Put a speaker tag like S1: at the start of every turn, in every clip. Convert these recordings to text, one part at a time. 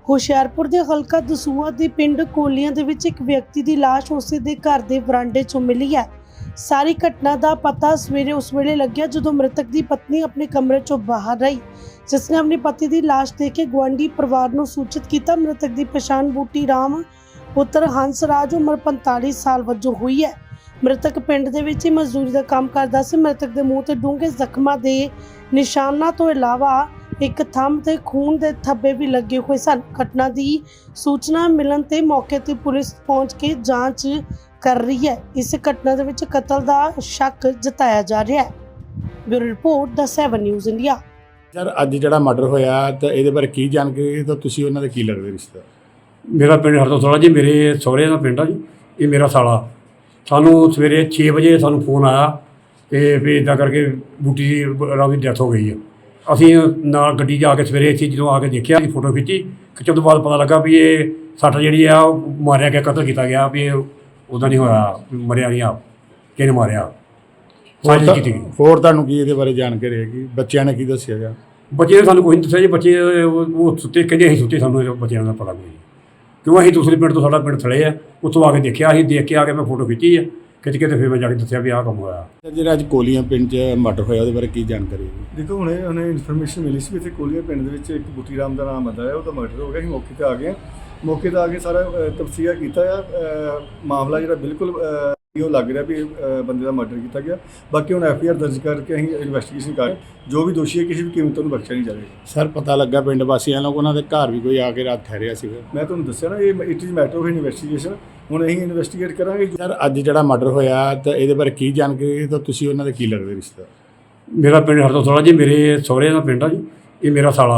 S1: ਹੁਸ਼ਿਆਰਪੁਰ ਦੇ ਹਲਕਾ ਦਸੂਹਾ ਦੇ ਪਿੰਡ ਕੋਲੀਆਂ ਦੇ ਵਿੱਚ ਇੱਕ ਵਿਅਕਤੀ ਦੀ ਲਾਸ਼ ਉਸੇ ਦੇ ਘਰ ਦੇ ਵਰਾਂਡੇ 'ਚੋਂ ਮਿਲੀ ਹੈ। ਸਾਰੀ ਘਟਨਾ ਦਾ ਪਤਾ ਸਵੇਰੇ ਉਸ ਵੇਲੇ ਲੱਗਿਆ ਜਦੋਂ ਮ੍ਰਿਤਕ ਦੀ ਪਤਨੀ ਆਪਣੇ ਕਮਰੇ 'ਚੋਂ ਬਾਹਰ ਰਹੀ, ਜਿਸ ਨੇ ਆਪਣੀ ਪਤੀ ਦੀ ਲਾਸ਼ ਦੇਖ ਕੇ ਗੁਆਂਢੀ ਪਰਿਵਾਰ ਨੂੰ ਸੂਚਿਤ ਕੀਤਾ। ਮ੍ਰਿਤਕ ਦੀ ਪਛਾਣ ਬੂਟੀ ਰਾਮ ਪੁੱਤਰ ਹੰਸਰਾਜ ਉਮਰ 45 ਸਾਲ ਵਜੋਂ ਹੋਈ ਹੈ। ਮ੍ਰਿਤਕ ਪਿੰਡ ਦੇ ਵਿੱਚ ਹੀ ਮਜ਼ਦੂਰੀ ਦਾ ਕੰਮ ਕਰਦਾ ਸੀ। ਮ੍ਰਿਤਕ ਦੇ ਮੂੰਹ ਤੇ ਡੂੰਘੇ ਜ਼ਖਮਾਂ ਦੇ ਨਿਸ਼ਾਨਾਂ ਤੋਂ ਇਲਾਵਾ ਇੱਕ ਥੰਮ ਤੇ ਖੂਨ ਦੇ ਧੱਬੇ ਵੀ ਲੱਗੇ ਹੋਏ ਸਨ। ਘਟਨਾ ਦੀ ਸੂਚਨਾ ਮਿਲਣ ਤੇ ਮੌਕੇ ਤੇ ਪੁਲਿਸ ਪਹੁੰਚ ਕੇ ਜਾਂਚ ਕਰ ਰਹੀ ਹੈ। ਇਸ ਘਟਨਾ ਦੇ ਵਿੱਚ ਕਤਲ ਦਾ ਸ਼ੱਕ ਜਤਾਇਆ ਜਾ ਰਿਹਾ ਹੈ। ਬਿਊਰੋ ਰਿਪੋਰਟ ਦਾ 7 ਨਿਊਜ਼ ਇੰਡੀਆ।
S2: ਸਰ ਅੱਜ ਜਿਹੜਾ ਮਰਡਰ ਹੋਇਆ ਤਾਂ ਇਹਦੇ ਬਾਰੇ ਕੀ ਜਾਣਕਾਰੀ ਤਾਂ ਤੁਸੀਂ ਉਹਨਾਂ ਦੇ ਕੀ ਲੱਗਦੇ ਰਿਸ਼ਤਾ?
S3: ਮੇਰਾ ਪਿੰਡ ਹਰਦੋਸਲਾ ਜੀ, ਮੇਰੇ ਸਹੁਰੇ ਦਾ ਪਿੰਡ ਆ ਜੀ। ਇਹ ਮੇਰਾ ਸਾਲਾ। ਸਾਨੂੰ ਸਵੇਰੇ 6 ਵਜੇ ਸਾਨੂੰ ਫੋਨ ਆਇਆ ਕਿ ਵੀ ਇੱਦਾਂ ਕਰਕੇ ਬੂਟੀ ਰਾਮ ਦੀ ਡੈਥ ਹੋ ਗਈ ਆ। ਅਸੀਂ ਨਾਲ ਗੱਡੀ 'ਚ ਆ ਕੇ ਸਵੇਰੇ ਇੱਥੇ ਜਦੋਂ ਆ ਕੇ ਦੇਖਿਆ, ਅਸੀਂ ਫੋਟੋ ਖਿੱਚਣ ਤੋਂ ਬਾਅਦ ਪਤਾ ਲੱਗਾ ਵੀ ਇਹ ਸੱਟ ਜਿਹੜੀ ਆ ਉਹ ਮਾਰਿਆ ਗਿਆ, ਕਤਲ ਕੀਤਾ ਗਿਆ। ਵੀ ਇਹ ਉੱਦਾਂ ਨਹੀਂ ਹੋਇਆ, ਮਰਿਆ ਨਹੀਂ ਆਪ, ਕਿਹਨੇ ਮਾਰਿਆ, ਸਾਜ਼ਿਸ਼ ਕੀਤੀ ਗਈ।
S2: ਹੋਰ ਤੁਹਾਨੂੰ ਕੀ ਇਹਦੇ ਬਾਰੇ ਜਾਣਕਾਰੀ ਹੈਗੀ? ਬੱਚਿਆਂ ਨੇ ਕੀ ਦੱਸਿਆ ਗਿਆ?
S3: ਬੱਚੇ ਨੇ ਸਾਨੂੰ ਕੋਈ ਨਹੀਂ ਦੱਸਿਆ ਜੀ। ਬੱਚੇ ਉਹ ਸੁੱਤੇ, ਕਹਿੰਦੇ ਅਸੀਂ ਸੁੱਤੇ, ਸਾਨੂੰ ਬੱਚਿਆਂ ਦਾ ਪਤਾ ਕੋਈ ਨਹੀਂ। ਕਿਉਂ ਅਸੀਂ ਦੂਸਰੇ ਪਿੰਡ ਤੋਂ, ਸਾਡਾ ਪਿੰਡ ਥਲੇ ਆ, ਉੱਥੋਂ ਆ ਕੇ ਦੇਖਿਆ। ਅਸੀਂ ਦੇਖ ਕੇ ਆ ਕੇ ਮੈਂ ਫੋਟੋ ਖਿੱਚੀ ਆ, ਖਿੱਚ ਕੇ ਤੇ ਫਿਰ ਮੈਂ ਜਾ ਕੇ ਦੱਸਿਆ ਵੀ ਆਹ ਕੰਮ ਹੋਇਆ।
S2: ਜਿਹੜਾ ਅੱਜ ਕੋਲੀਆਂ ਪਿੰਡ 'ਚ ਮਰਡਰ ਹੋਇਆ ਉਹਦੇ ਬਾਰੇ ਕੀ ਜਾਣਕਾਰੀ ਹੈਗੀ?
S4: ਦੇਖੋ ਹੁਣੇ ਇਨਫੋਰਮੇਸ਼ਨ ਮਿਲੀ ਸੀ ਵੀ ਇੱਥੇ ਕੋਲੀਆ ਪਿੰਡ ਦੇ ਵਿੱਚ ਇੱਕ ਬੂਟੀ ਰਾਮ ਦਾ ਨਾਮ ਆਉਂਦਾ ਹੈ, ਉਹਦਾ ਮਰਡਰ ਹੋ ਗਿਆ। ਅਸੀਂ ਮੌਕੇ ਤੇ ਆ ਗਏ। ਮੌਕੇ ਤੇ ਆ ਕੇ ਸਾਰਾ ਤਫਸੀਰ ਕੀਤਾ ਆ। ਮਾਮਲਾ ਜਿਹੜਾ ਬਿਲਕੁਲ ਉਹ ਲੱਗ ਰਿਹਾ ਵੀ ਬੰਦੇ ਦਾ ਮਰਡਰ ਕੀਤਾ ਗਿਆ। ਬਾਕੀ ਹੁਣ ਐਫਆਈਆਰ ਦਰਜ ਕਰਕੇ ਅਸੀਂ ਇਨਵੈਸਟੀਗੇਸ਼ਨ ਕਰ, ਜੋ ਵੀ ਦੋਸ਼ੀ ਹੈ ਕਿਸੇ ਵੀ ਕੀਮਤ ਨੂੰ ਬਖਸ਼ਿਆ ਨਹੀਂ ਜਾਵੇਗਾ।
S2: ਸਰ ਪਤਾ ਲੱਗਾ ਪਿੰਡ ਵਾਸੀਆਂ ਨੂੰ ਉਹਨਾਂ ਦੇ ਘਰ ਵੀ ਕੋਈ ਆ ਕੇ ਰਾਤ ਠਹਿਰਿਆ ਸੀਗਾ।
S4: ਮੈਂ ਤੁਹਾਨੂੰ ਦੱਸਿਆ ਨਾ, ਇਹ it is matter of investigation. ਹੁਣ ਅਸੀਂ ਇਨਵੈਸਟੀਗੇਟ ਕਰਾਂਗੇ।
S2: ਸਰ ਅੱਜ ਜਿਹੜਾ ਮਰਡਰ ਹੋਇਆ ਤਾਂ ਇਹਦੇ ਬਾਰੇ ਕੀ ਜਾਣਕਾਰੀ ਤਾਂ ਤੁਸੀਂ ਉਹਨਾਂ ਦੇ ਕੀ ਲੱਗਦੇ ਰਿਸ਼ਤਾ?
S3: ਮੇਰਾ ਪਿੰਡ ਹਰਦੋਸਲਾ ਜੀ, ਮੇਰੇ ਸਹੁਰੇ ਦਾ ਪਿੰਡ ਆ ਜੀ। ਇਹ ਮੇਰਾ ਸਾਲਾ।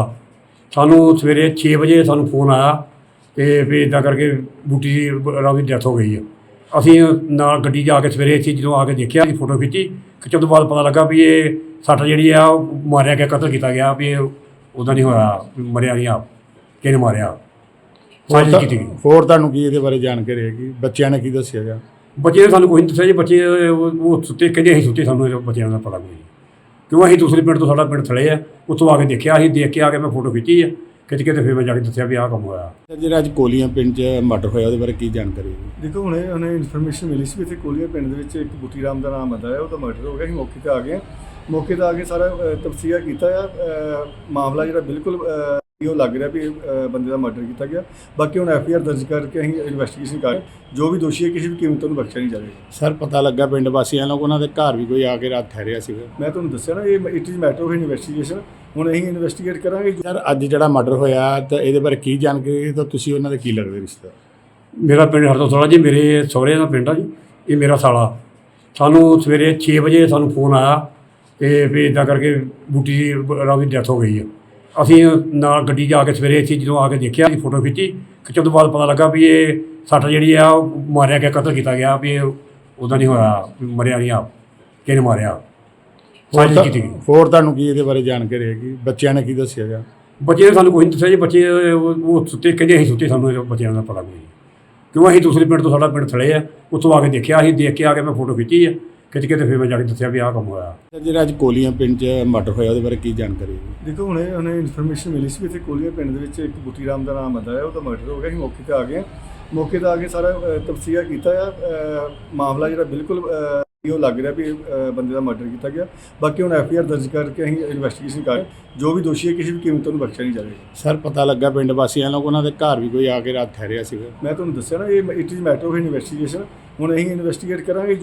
S3: ਸਾਨੂੰ ਸਵੇਰੇ 6 ਵਜੇ ਸਾਨੂੰ ਫੋਨ ਆਇਆ ਕਿ ਵੀ ਇੱਦਾਂ ਕਰਕੇ ਬੂਟੀ ਰਾਮ ਦੀ ਡੈਥ ਹੋ ਗਈ ਆ। ਅਸੀਂ ਨਾਲ ਗੱਡੀ 'ਚ ਆ ਕੇ ਸਵੇਰੇ ਇੱਥੇ ਜਦੋਂ ਆ ਕੇ ਦੇਖਿਆ, ਅਸੀਂ ਫੋਟੋ ਖਿੱਚਣ ਤੋਂ ਬਾਅਦ ਪਤਾ ਲੱਗਾ ਵੀ ਇਹ ਸੱਟ ਜਿਹੜੀ ਆ ਉਹ ਮਾਰਿਆ ਗਿਆ, ਕਤਲ ਕੀਤਾ ਗਿਆ। ਵੀ ਇਹ ਉੱਦਾਂ ਨਹੀਂ ਹੋਇਆ, ਮਰਿਆ ਨਹੀਂ ਆਪ, ਕਿਹਨੇ ਮਾਰਿਆ, ਸਾਜ਼ਿਸ਼ ਕੀਤੀ ਗਈ।
S2: ਹੋਰ ਤੁਹਾਨੂੰ ਕੀ ਇਹਦੇ ਬਾਰੇ ਜਾਣਕਾਰੀ ਹੈਗੀ? ਬੱਚਿਆਂ ਨੇ ਕੀ ਦੱਸਿਆ ਗਿਆ?
S3: ਬੱਚੇ ਨੇ ਸਾਨੂੰ ਕੋਈ ਨਹੀਂ ਦੱਸਿਆ ਜੀ। ਬੱਚੇ ਉਹ ਸੁੱਤੇ, ਕਹਿੰਦੇ ਅਸੀਂ ਸੁੱਤੇ, ਸਾਨੂੰ ਬੱਚਿਆਂ ਦਾ ਪਤਾ ਕੋਈ ਨਹੀਂ। ਕਿਉਂ ਅਸੀਂ ਦੂਸਰੇ ਪਿੰਡ ਤੋਂ, ਸਾਡਾ ਪਿੰਡ ਥਲੇ ਆ, ਉੱਥੋਂ ਆ ਕੇ ਦੇਖਿਆ। ਅਸੀਂ ਦੇਖ ਕੇ ਆ ਕੇ ਮੈਂ ਫੋਟੋ ਖਿੱਚੀ ਆ, ਖਿੱਚ ਕੇ ਤੇ ਫਿਰ ਮੈਂ ਜਾ ਕੇ ਦੱਸਿਆ ਵੀ ਆਹ ਕੰਮ ਹੋਇਆ।
S2: ਜਿਹੜਾ ਅੱਜ ਕੋਲੀਆਂ ਪਿੰਡ 'ਚ ਮਰਡਰ ਹੋਇਆ ਉਹਦੇ ਬਾਰੇ ਕੀ ਜਾਣਕਾਰੀ ਹੈਗੀ?
S4: ਦੇਖੋ ਹੁਣੇ ਇਨਫੋਰਮੇਸ਼ਨ ਮਿਲੀ ਸੀ ਵੀ ਇੱਥੇ ਕੋਲੀਆ ਪਿੰਡ ਦੇ ਵਿੱਚ ਇੱਕ ਬੂਟੀ ਰਾਮ ਦਾ ਨਾਮ ਆਉਂਦਾ ਹੈ, ਉਹਦਾ ਮਰਡਰ ਹੋ ਗਿਆ। ਅਸੀਂ ਮੌਕੇ ਤੇ ਆ ਗਏ। ਮੌਕੇ ਤੇ ਆ ਕੇ ਸਾਰਾ ਤਫਸੀਰ ਕੀਤਾ ਆ। ਮਾਮਲਾ ਜਿਹੜਾ ਬਿਲਕੁਲ ਉਹ ਲੱਗ ਰਿਹਾ ਵੀ ਬੰਦੇ ਦਾ ਮਰਡਰ ਕੀਤਾ ਗਿਆ। ਬਾਕੀ ਹੁਣ ਐਫਆਈਆਰ ਦਰਜ ਕਰਕੇ ਅਸੀਂ ਇਨਵੈਸਟੀਗੇਸ਼ਨ ਕਰ, ਜੋ ਵੀ ਦੋਸ਼ੀ ਹੈ ਕਿਸੇ ਵੀ ਕੀਮਤ ਨੂੰ ਬਖਸ਼ਿਆ ਨਹੀਂ ਜਾਵੇਗਾ।
S2: ਸਰ ਪਤਾ ਲੱਗਾ ਪਿੰਡ ਵਾਸੀਆਂ ਨੂੰ ਉਹਨਾਂ ਦੇ ਘਰ ਵੀ ਕੋਈ ਆ ਕੇ ਰਾਤ ਠਹਿਰਿਆ ਸੀਗਾ।
S4: ਮੈਂ ਤੁਹਾਨੂੰ ਦੱਸਿਆ ਨਾ, ਇਹ it is matter of investigation. ਹੁਣ ਅਸੀਂ ਇਨਵੈਸਟੀਗੇਟ ਕਰਾਂਗੇ।
S2: ਸਰ ਅੱਜ ਜਿਹੜਾ ਮਰਡਰ ਹੋਇਆ ਤਾਂ ਇਹਦੇ ਬਾਰੇ ਕੀ ਜਾਣਕਾਰੀ ਤਾਂ ਤੁਸੀਂ ਉਹਨਾਂ ਦੇ ਕੀ ਲੱਗਦੇ ਰਿਸ਼ਤਾ?
S3: ਮੇਰਾ ਪਿੰਡ ਹਰਦੋਸਲਾ ਜੀ, ਮੇਰੇ ਸਹੁਰੇ ਦਾ ਪਿੰਡ ਆ ਜੀ। ਇਹ ਮੇਰਾ ਸਾਲਾ। ਸਾਨੂੰ ਸਵੇਰੇ 6 ਵਜੇ ਸਾਨੂੰ ਫੋਨ ਆਇਆ ਕਿ ਵੀ ਇੱਦਾਂ ਕਰਕੇ ਬੂਟੀ ਰਾਮ ਦੀ ਡੈਥ ਹੋ ਗਈ ਆ। ਅਸੀਂ ਨਾਲ ਗੱਡੀ 'ਚ ਆ ਕੇ ਸਵੇਰੇ ਇੱਥੇ ਜਦੋਂ ਆ ਕੇ ਦੇਖਿਆ, ਅਸੀਂ ਫੋਟੋ ਖਿੱਚਣ ਤੋਂ ਬਾਅਦ ਪਤਾ ਲੱਗਾ ਵੀ ਇਹ ਸੱਟ ਜਿਹੜੀ ਆ ਉਹ ਮਾਰਿਆ ਗਿਆ, ਕਤਲ ਕੀਤਾ ਗਿਆ। ਵੀ ਇਹ ਉੱਦਾਂ ਨਹੀਂ ਹੋਇਆ, ਮਰਿਆ ਨਹੀਂ ਆਪ, ਕਿਹਨੇ ਮਾਰਿਆ, ਸਾਜ਼ਿਸ਼ ਕੀਤੀ ਗਈ।
S2: ਹੋਰ ਤੁਹਾਨੂੰ ਕੀ ਇਹਦੇ ਬਾਰੇ ਜਾਣਕਾਰੀ ਹੈਗੀ? ਬੱਚਿਆਂ ਨੇ ਕੀ ਦੱਸਿਆ ਗਿਆ?
S3: ਬੱਚੇ ਨੇ ਸਾਨੂੰ ਕੋਈ ਨਹੀਂ ਦੱਸਿਆ ਜੀ। ਬੱਚੇ ਉਹ ਸੁੱਤੇ, ਕਹਿੰਦੇ ਅਸੀਂ ਸੁੱਤੇ, ਸਾਨੂੰ ਬੱਚਿਆਂ ਦਾ ਪਤਾ ਕੋਈ ਨਹੀਂ। ਕਿਉਂ ਅਸੀਂ ਦੂਸਰੇ ਪਿੰਡ ਤੋਂ, ਸਾਡਾ ਪਿੰਡ ਥਲੇ ਆ, ਉੱਥੋਂ ਆ ਕੇ ਦੇਖਿਆ। ਅਸੀਂ ਦੇਖ ਕੇ ਆ ਕੇ ਮੈਂ ਫੋਟੋ ਖਿੱਚੀ ਆ, ਖਿੱਚ ਕੇ ਤੇ ਫਿਰ ਮੈਂ ਜਾ ਕੇ ਦੱਸਿਆ ਵੀ ਆਹ ਕੰਮ ਹੋਇਆ।
S2: ਜਿਹੜਾ ਅੱਜ ਕੋਲੀਆਂ ਪਿੰਡ 'ਚ ਮਰਡਰ ਹੋਇਆ ਉਹਦੇ ਬਾਰੇ ਕੀ ਜਾਣਕਾਰੀ ਹੈਗੀ?
S4: ਦੇਖੋ ਹੁਣੇ ਇਨਫੋਰਮੇਸ਼ਨ ਮਿਲੀ ਸੀ ਵੀ ਇੱਥੇ ਕੋਲੀਆ ਪਿੰਡ ਦੇ ਵਿੱਚ ਇੱਕ ਬੂਟੀ ਰਾਮ ਦਾ ਨਾਮ ਆਉਂਦਾ ਹੈ, ਉਹਦਾ ਮਰਡਰ ਹੋ ਗਿਆ। ਅਸੀਂ ਮੌਕੇ ਤੇ ਆ ਗਏ। ਮੌਕੇ ਤੇ ਆ ਕੇ ਸਾਰਾ ਤਫਸੀਰ ਕੀਤਾ ਆ। ਮਾਮਲਾ ਜਿਹੜਾ ਬਿਲਕੁਲ ਉਹ ਲੱਗ ਰਿਹਾ ਵੀ ਬੰਦੇ ਦਾ ਮਰਡਰ ਕੀਤਾ ਗਿਆ। ਬਾਕੀ ਹੁਣ ਐਫਆਈਆਰ ਦਰਜ ਕਰਕੇ ਅਸੀਂ ਇਨਵੈਸਟੀਗੇਸ਼ਨ ਕਰ, ਜੋ ਵੀ ਦੋਸ਼ੀ ਹੈ ਕਿਸੇ ਵੀ ਕੀਮਤ ਨੂੰ ਬਖਸ਼ਿਆ ਨਹੀਂ ਜਾਵੇਗਾ।
S2: ਸਰ ਪਤਾ ਲੱਗਾ ਪਿੰਡ ਵਾਸੀਆਂ ਨੂੰ ਉਹਨਾਂ ਦੇ ਘਰ ਵੀ ਕੋਈ ਆ ਕੇ ਰਾਤ ਠਹਿਰਿਆ ਸੀਗਾ।
S4: ਮੈਂ ਤੁਹਾਨੂੰ ਦੱਸਿਆ ਨਾ, ਇਹ it is matter of investigation. ਹੁਣ ਅਸੀਂ ਇਨਵੈਸਟੀਗੇਟ ਕਰਾਂਗੇ।